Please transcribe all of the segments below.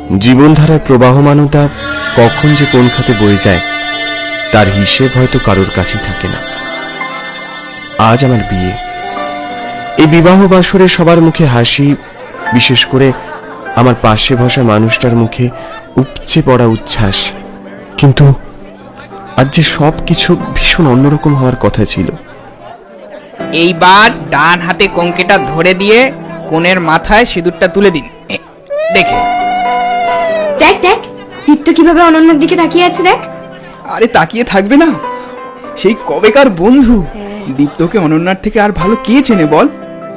জীবনধারার প্রবাহমানতা কখন যে কোন খাতে বয়ে যায় তার হিসেব হয়তো কারোর কাছেই থাকে না। আজ আমার বিয়ে। এই বিবাহ বাসরে সবার মুখে হাসি, বিশেষ করে আমার পাশে বসা মানুষটার মুখে উপচে পড়া উচ্ছ্বাস। কিন্তু আজ যে সব কিছু ভীষণ অন্যরকম হওয়ার কথা ছিল। এইবার ডান হাতে কঙ্কেটা ধরে দিয়ে কোণের মাথায় সিঁদুরটা তুলে দিন। দেখে দেখ দেখ, দীপ্ত কিভাবে অনন্যার দিকে তাকিয়ে আছে দেখ। আরে তাকিয়ে থাকবে না? সেই কবেকার বন্ধু। দীপ্তকে অনন্যার থেকে আর ভালো কে চেনে বল?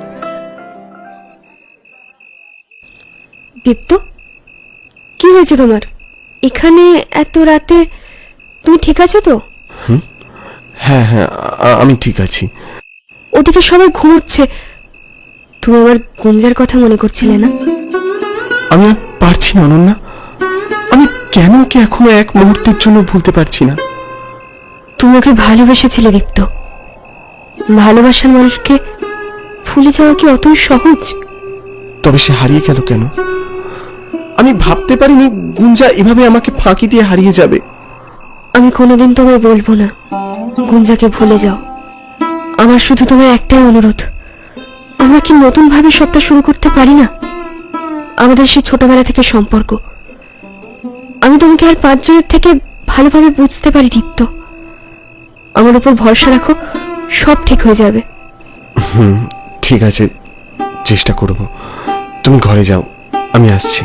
দীপ্ত, কি হয়েছে তোমার? এখানে এত রাতে তুমি ঠিক আছো তো? হ্যাঁ হ্যাঁ, আমি ঠিক আছি। ওদিকে সবাই ঘুমোচ্ছে, তুমি আমার গুঞ্জার কথা মনে করছিলে না? আমি আর পারছি না অনন্যা, আমি কেন ওকে এখনো এক মুহূর্তের জন্য ভুলতে পারছি না। তুমি ওকে ভালোবেসেছিলে দীপ্ত। ভালোবাসার মানুষকে ভুলে যাওয়া কি অতই সহজ? তবে সে হারিয়ে গেল কেন? আমি ভাবতে পারিনি গুঞ্জা এভাবে আমাকে ফাঁকি দিয়ে হারিয়ে যাবে। আমি কোনোদিন তোমায় বলবো না গুঞ্জাকে ভুলে যাও। আমার শুধু তোমার একটাই অনুরোধ, আমরা কি নতুন ভাবে সবটা শুরু করতে পারি না? আমাদের সেই ছোটবেলা থেকে সম্পর্ক, আমি তোমাকে আর 5 জনের থেকে ভালোভাবে বুঝতে পারি দীপ্ত। আমার উপর ভরসা রাখো, সব ঠিক হয়ে যাবে। ঠিক আছে, চেষ্টা করব। তুমি ঘরে যাও, আমি আসছি।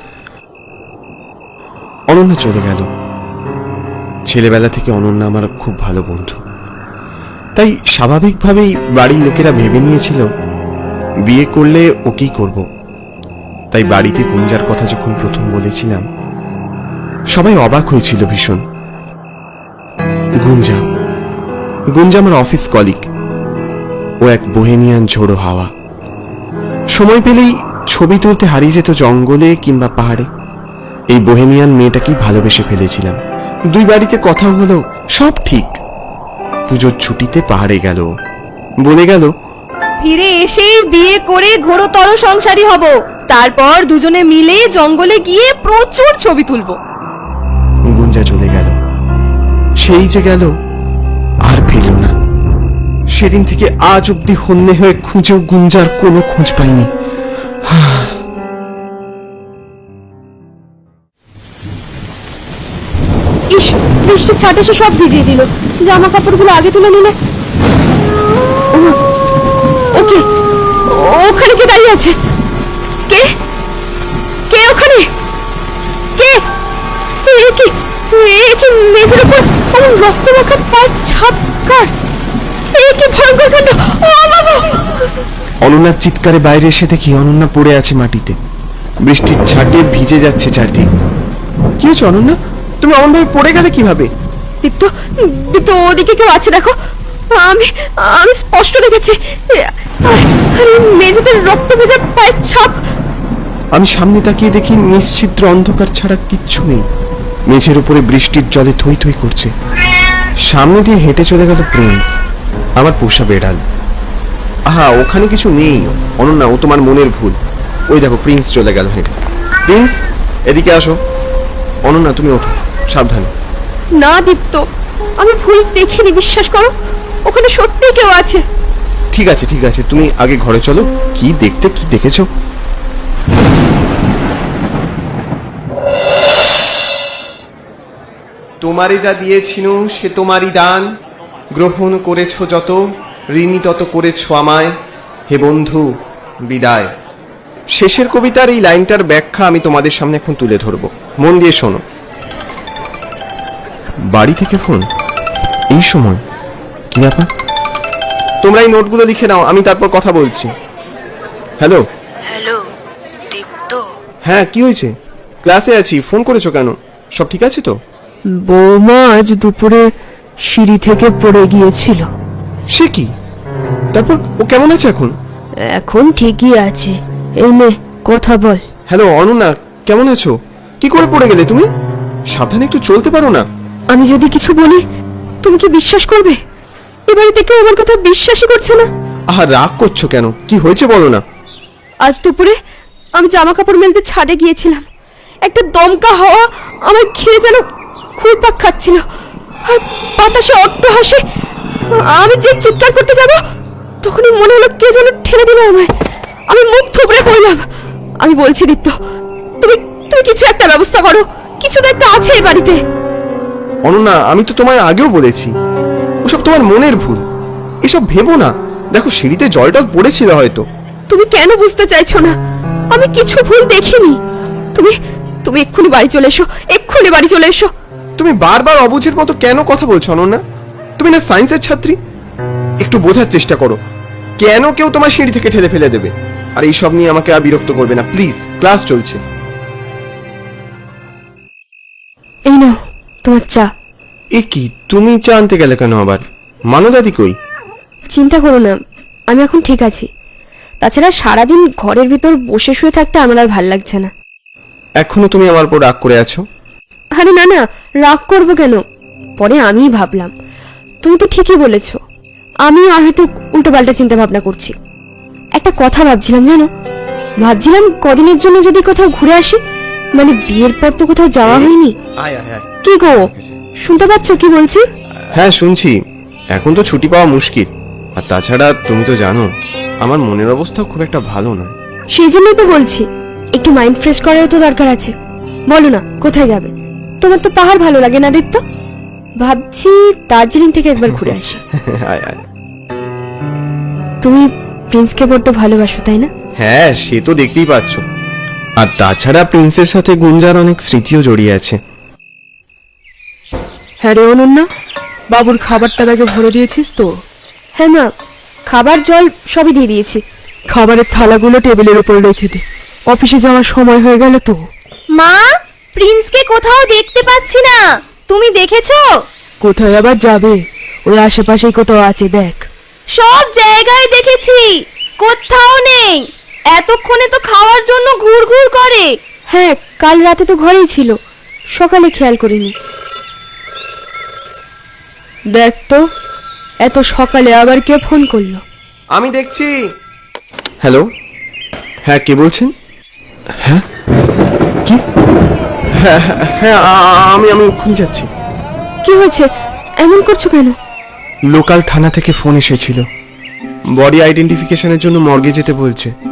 অনন্যা চলে গেল। ছেলেবেলা থেকে অনন্যা আমার খুব ভালো বন্ধু, তাই স্বাভাবিকভাবেই বাড়ির লোকেরা ভেবে নিয়েছিল বিয়ে করলে ওকেই করব। তাই বাড়িতে গুঞ্জার কথা যখন প্রথম বলেছিলাম সবাই অবাক হয়েছিল ভীষণ। গুঞ্জা গুঞ্জা আমার অফিস কলিগ। ও এক বোহেমিয়ান ঝোড়ো হাওয়া। সময় পেলেই ছবি তুলতে হারিয়ে যেত জঙ্গলে কিংবা পাহাড়ে। এই বোহেমিয়ান মেয়েটাকেই ভালোবেসে ফেলেছিলাম। 2 বাড়িতে কথা হলো, সব ঠিক। পুজোর ছুটিতে পাহাড়ে গেল, বলে গেল ফিরে এসেই বিয়ে করে ঘোরতর সংসারী হব, তারপর দুজনে মিলে জঙ্গলে গিয়ে প্রচুর ছবি তুলবো। গুঞ্জা চলে গেল। সেই যে গেল, আর ফিরল না। সেদিন থেকে আজ অব্দি হন্যে হয়ে খুঁজেও গুঞ্জার কোনো খোঁজ পাইনি। ইস, বৃষ্টির ছাট এসে সব ভিজিয়ে দিল। জামা কাপড়গুলো আগে তুলে নিলে। ওকে, ওখানে কে দাঁড়িয়ে আছে? কে কে ওখানে? কে? এ কি মেঝের উপর অমন রক্তমাখা পায়ের ছাপ কার? এ কি ভয়ঙ্কর কাণ্ড! ও বাবা! অনন্যার চিৎকারে বাইরে এসে দেখি অনন্যা পড়ে আছে মাটিতে। বৃষ্টির ছাটে ভিজে যাচ্ছে চারদিক। কি হয়েছে অনন্যা? তুমি অমনভাবে পড়ে গেলে কিভাবে? দীপ্ত, দীপ্ত, ওদিকে কেউ আছে দেখো। আমি আমি স্পষ্ট দেখেছি। আরে মেঝেতে রক্ত ভেজা পায়ের ছাপ। আমি সামনে তাকিয়ে দেখি নিশ্চিদ্র অন্ধকার ছাড়া কিচ্ছু নেই। মেঝের উপরে বৃষ্টির জলে থই থই করছে। সামনে দিয়ে হেঁটে চলে গেল প্রিন্স, আমার পোষা বেড়াল। আহা, ওখানে কিছু নেই অনন্যা, ও তোমার মনের ভুল। ওই দেখো প্রিন্স চলে গেল হেঁটে। প্রিন্স, এদিকে আসো। অনন্যা তুমি ওঠো, সাবধানে। না দীপ্ত, আমি ভুল দেখিনি, বিশ্বাস করো। ওখানে সত্যি কেউ আছে। ঠিক আছে ঠিক আছে, তুমি আগে ঘরে চলো। কি দেখেছো? তোমারে যা দিয়েছিনু সে তোমারই দান, গ্রহণ করেছ যত, ঋণী তত করেছ আমায়। হে বন্ধু, বিদায়। শেষের কবিতার এই লাইনটার ব্যাখ্যা আমি তোমাদের সামনে এখন তুলে ধরব, মন দিয়ে শোনো। বাড়ি থেকে ফোন এই সময়? কি ব্যাপার? তোমরা এই নোটগুলো লিখে নাও, আমি তারপর কথা বলছি। হ্যালো হ্যালো দীপ্ত, হ্যাঁ, কি হয়েছে? ক্লাসে আছি, ফোন করেছো কেন? সব ঠিক আছে তো? বৌমা আজ দুপুরে সিঁড়ি থেকে পড়ে গিয়েছিল। সে কি? তারপর ও কেমন আছে এখন? এখন ঠিকই আছে। এই নে কথা বল। হ্যালো অনন্যা, কেমন আছো? কি করে পড়ে গেলে তুমি? সাবধানে একটু চলতে পারো না? আমি যদি কিছু বলি তুমি কি বিশ্বাস করবে? এ বাড়িতে কেউ আমার কথা বিশ্বাসই করছে না। আহা, রাগ করছো কেন? কি হয়েছে বলো না। আজ দুপুরে আমি জামা কাপড় মেলতে ছাদে গিয়েছিলাম। একটা দমকা হাওয়া আমার ঘিরে যেন ঘুরপাক খাচ্ছিল, আর বাতাসে অট্টহাসে আমি যে চিৎকার করতে যাব তখনই মনে হলো কে যেন ঠেলে দিল আমায়। আমি মুখ থুবড়ে পড়লাম। আমি বলছি দীপ্ত, তুমি তুমি কিছু একটা ব্যবস্থা করো, কিছু তো একটা আছে এই বাড়িতে। অনন্যা, আমি তো তোমায় আগেও বলেছি ওসব তোমার মনের ভুল, এসব ভেবো না। দেখো, সিঁড়িতে জলটা পড়েছিল হয়তো। তুমি কেন বুঝতে চাইছো না? আমি কিছু ভুল দেখিনি। তুমি তুমি এক্ষুনি বাড়ি চলে এসো, এক্ষুনি বাড়ি চলে এসো। তুমি বারবার অবুঝের মতো কেন কথা বলছো অনন্যা? তুমি না সায়েন্সের ছাত্রী? একটু বোঝার চেষ্টা করো। কেন কেউ তোমার সিঁড়ি থেকে ঠেলে ফেলে দেবে? আর এইসব নিয়ে আমাকে আর বিরক্ত করবে না প্লিজ, ক্লাস চলছে। এই নাও তোমার চা। এ কি, তুমি চা আনতে গেলে কেন আবার? মানদাদি কই? চিন্তা করো না, আমি এখন ঠিক আছি। তাছাড়া সারাদিন ঘরের ভিতর বসে শুয়ে থাকতে আমার আর ভাল লাগছে না। এখনো তুমি আমার উপর রাগ করে আছো? আরে না না, রাগ করবো কেন? পরে আমিই ভাবলাম তুমি তো ঠিকই বলেছো, আমি হয়তো উল্টো পাল্টা চিন্তা ভাবনা করছি। একটা কথা ভাবছিলাম জানো, ভাবছিলাম কদিনের জন্য যদি কোথাও ঘুরে আসি, মানে বিয়ের পর তো কোথাও যাওয়া হয়নি। কি গো, শুনতে পাচ্ছ কি বলছি? হ্যাঁ শুনছি। এখন তো ছুটি পাওয়া মুশকিল, আর তাছাড়া তুমি তো জানো আমার মনের অবস্থা খুব একটা ভালো নয়। সেই জন্যই তো বলছি একটু মাইন্ড ফ্রেশ করারও তো দরকার আছে। বলো না কোথায় যাবে? তোমার তো পাহাড় ভালো লাগে না দীপ্ত? ভাবছি দার্জিলিং থেকে একবার ঘুরে আসি। আয় আয়। তুমি প্রিন্সকে বড্ড ভালোবাসো তাই না? হ্যাঁ, সে তো দেখতেই পাচ্ছ। আর তাছাড়া প্রিন্সের সাথে গুঞ্জার অনেক স্মৃতিও জড়িয়ে আছে। হ্যাঁ রে অনন্যা, বাবুর খাবারটা ব্যাগে ভরে দিয়েছিস তো? হ্যাঁ মা, খাবার জল সবই দিয়ে দিয়েছি। খাবারের থালাগুলো টেবিলের উপর রেখে দে, অফিসে যাওয়ার সময় হয়ে গেল তো। মা, প্রিন্সকে কোথাও দেখতে পাচ্ছি না, তুমি দেখেছো? কোথায় আবার যাবে, ওই আশেপাশেই কোথাও আছে দেখ। সব জায়গায় দেখেছি, কোথাও নেই। এতক্ষণে তো খাওয়ার জন্য ঘুরঘুর করে। হ্যাঁ, কাল রাতে তো ঘরেই ছিল, সকালে খেয়াল করিনি। দেখ তো, এত সকালে আবার কে ফোন করলো? আমি দেখছি। হ্যালো, হ্যাঁ কে বলছেন? হ্যাঁ কি? হ্যাঁ হ্যাঁ, হ্যাঁ আমি এক্ষুনি যাচ্ছি। কি হয়েছে, এমন করছো কেন? লোকাল থানা থেকে ফোন এসেছিল, বডি আইডেন্টিফিকেশনের জন্য মর্গে যেতে বলছে।